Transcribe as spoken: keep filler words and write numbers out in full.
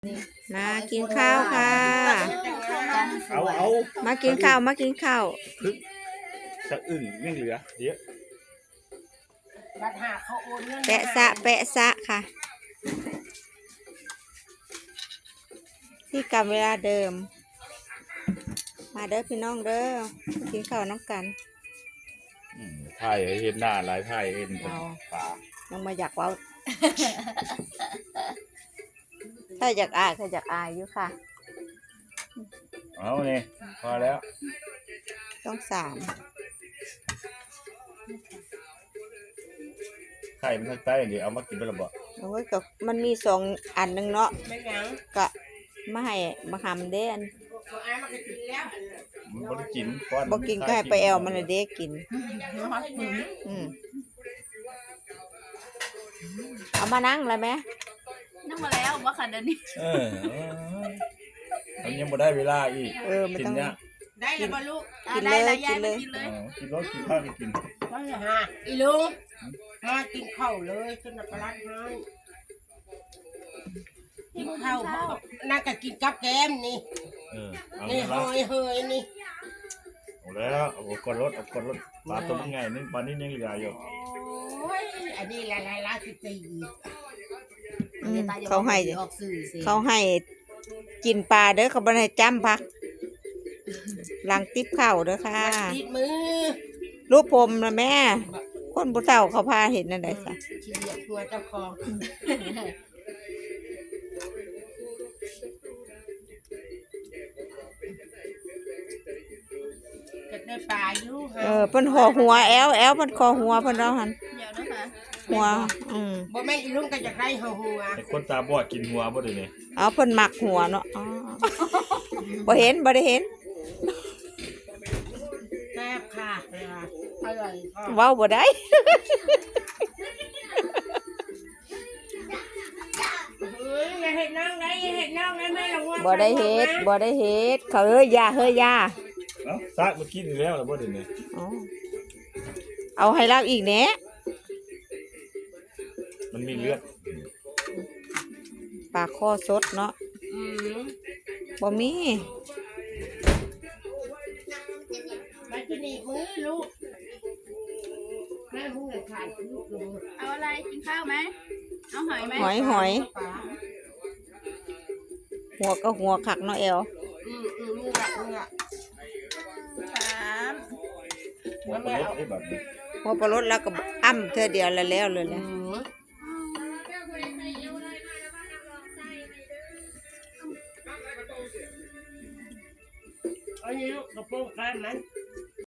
มากินข้าวค่ะเอาเอามากินข้าวมากินข้าวพึกสะอึ่งยังเหลือเยอะแปะสะแปะสะค่ะที่กลับเวลาเดิมมาเด้อพี่น้องเด้อกินข้าวน้องกันถ่ายเห็นหน้าหลายถ่ายเห็นปลายังมาอยากเว้าถ้าอยากอายถ้าอยากอายอยู่ค่ะเอาเนี่ยพอแล้วต้องสามไข่มันทางใต้เดี๋ยวเอามากินไปละบ่โอ้ยก็มันมีสองอันหนึ่งเนาะก็มาให้มาหำเด้อันมันบ่ได้กินบ่กินก็ให้ไปแอลมันเด้กินอืมเอามานั่งเลยไหมนั่งมาแล้วว่าค่ะเดี๋ยวนี้เออมันยังบ่ได้เวลาอีกเออมันต้องได้แล้วบ่ลูกกินเลยกินเลยกินเลยกินรถกินข้าวกินว่าฮะอีลุงมากินข้าวเลยขึ้นปลาให้กินข้าวน่าจะกินกับแกมนี่เออเอานี่เฮยเฮยนี่เอาแล้วเอากดรถเอากดรถปลาตัวมันไงนี่ปลานี่ยังเหลืออยู่โอ้ยอันนี้ละละละสิตีเขาให้เขาให้กินปลาเด้อเขาบ่ให้จ้ำพักหลังติ๊บเข่าเด้อค่ะติดมือรูปผมนะแม่คนผู้เฒ่าเขาพาเห็นนั่นได้ค่ะขี้เหยียบตัวเจ้าของจะได้ปลาอยู่เออเพิ่นห่อหัวแอลแอลเพิ่นคอหัวเพิ่นเอาหั่นเดี๋ยวนะคะหัวอืมบ่แม่นอีลุงก็จะได้ห่อหัวไอ้คนตาบอดกินหัวบ่ได้นี่อ๋อเพิ่นมักหัวเนาะอ๋อบ่เห็นบ่ได้เห็นแซ่บค่ะอร่อยเว้าบ่ได้อย่าเฮ็ดน้องได้อย่าเฮ็ดน้องได้แม่ระวังบ่ได้เฮ็ดบ่ได้เฮ็ดเขาเอ้ยอย่าเฮ้ยอย่าเอ้าซากเมื่อกี้นี่แล้วล่ะบ่ได้นี่อ๋อเอาให้เราอีกแหน่มันมีเลือดปลาคอสดเนาะอืมบ่มีมากินอีกมื้อลูกแม่หุ้งเลยขาดลูกลูกเอาอะไรกินข้าวไหมเอาหอยไหมหอยหอยหัวก็หัวคักเนาะแอลอืมอืมนี่ละนี่ละสามหัวปลาลดไอ้แบบนี้หัวปลาลดแล้วก็อ้ำเธอเดียวแล้วแล้วเลยแหละอันนี้ลูกกระโปรงกันไหม